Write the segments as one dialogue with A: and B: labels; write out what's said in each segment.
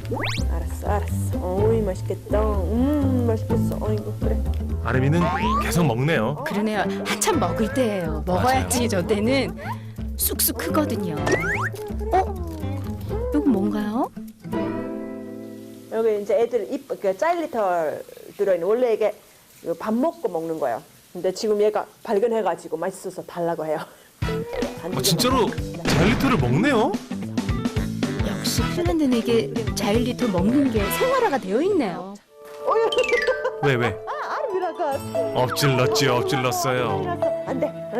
A: 알았어. 어이 맛있겠다. 맛있겠어. 어이구 그래.
B: 아름이는 계속 먹네요.
C: 그러네요. 한참 먹을 때예요. 먹어야지 저 때는 쑥쑥 크거든요. 이건 뭔가요?
A: 여기 이제 애들 그 짜일리털 들어있는 원래 이게 밥 먹고 먹는 거예요. 근데 지금 얘가 발견해가지고 맛있어서 달라고 해요.
B: 진짜로 자일리톨을 먹네요?
C: 역시 핀란드에게 자일리톨 먹는 게 생활화가 되어 있네요.
B: 왜?
A: 아름이라가
B: 엎질렀어요.
A: 안돼.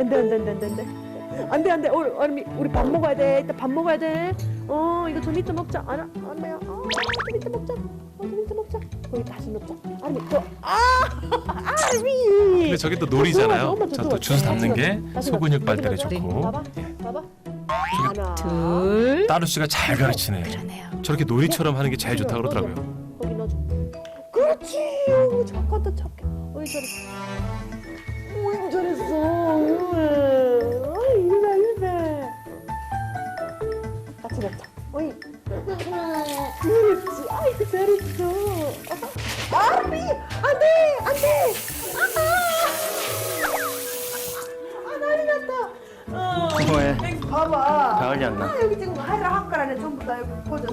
A: 우리 밥 먹어야 돼. 이따 밥 먹어야 돼. 이거 좀 이따 먹자. 아름이야. 좀 이따 먹자. 거기 다시 넣자. 아름이 아름이.
B: 근데 저게 또 놀이잖아요.
A: 엄마
B: 자, 또 주워 담는 게 소근육 발달에 좋고.
A: 봐봐. 하나.
C: 둘.
B: 따루 씨가 잘 가르치네요.
C: 그러네요.
B: 저렇게 놀이처럼 하는 게 제일 좋다 그러더라고요.
A: 거기 넣어줘. 그렇지. 어우, 착하다 착해. 어이 잘했어. 어이 잘했어. 어이 이리나. 같이 먹자. 어이. 그렇지. 아이고 잘했어. 아미 안돼. 난리 났다.
D: 뭐해?
A: 여기 봐봐.
D: 가을이 안 나.
A: 여기 지금 하이라 한가란에 전부 다 여기 퍼졌어.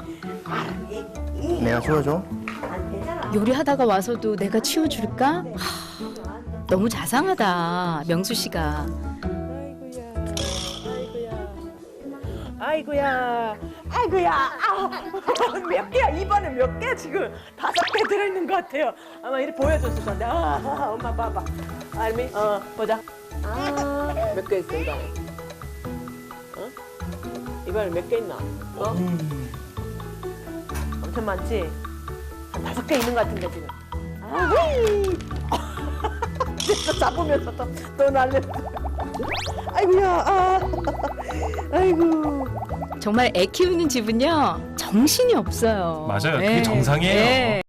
D: 내가 치워줘.
A: 안 되잖아.
C: 요리하다가 와서도 내가 치워줄까? 너무 자상하다, 명수 씨가.
A: 아이고야. 몇 개야? 이번에 몇 개? 지금 5개 들어있는 것 같아요. 아마 이렇게 보여줬을 건데. 엄마 봐봐. 알미? 보자. 몇 개 있어 이번에? 이번에 몇 개 있나? 엄청 많지? 한 5개 있는 것 같은데 지금. 휘! 진짜 잡으면서 또 날렸어. 아이고야. 아이고.
C: 정말 애 키우는 집은요 정신이 없어요.
B: 맞아요. 그게 정상이에요.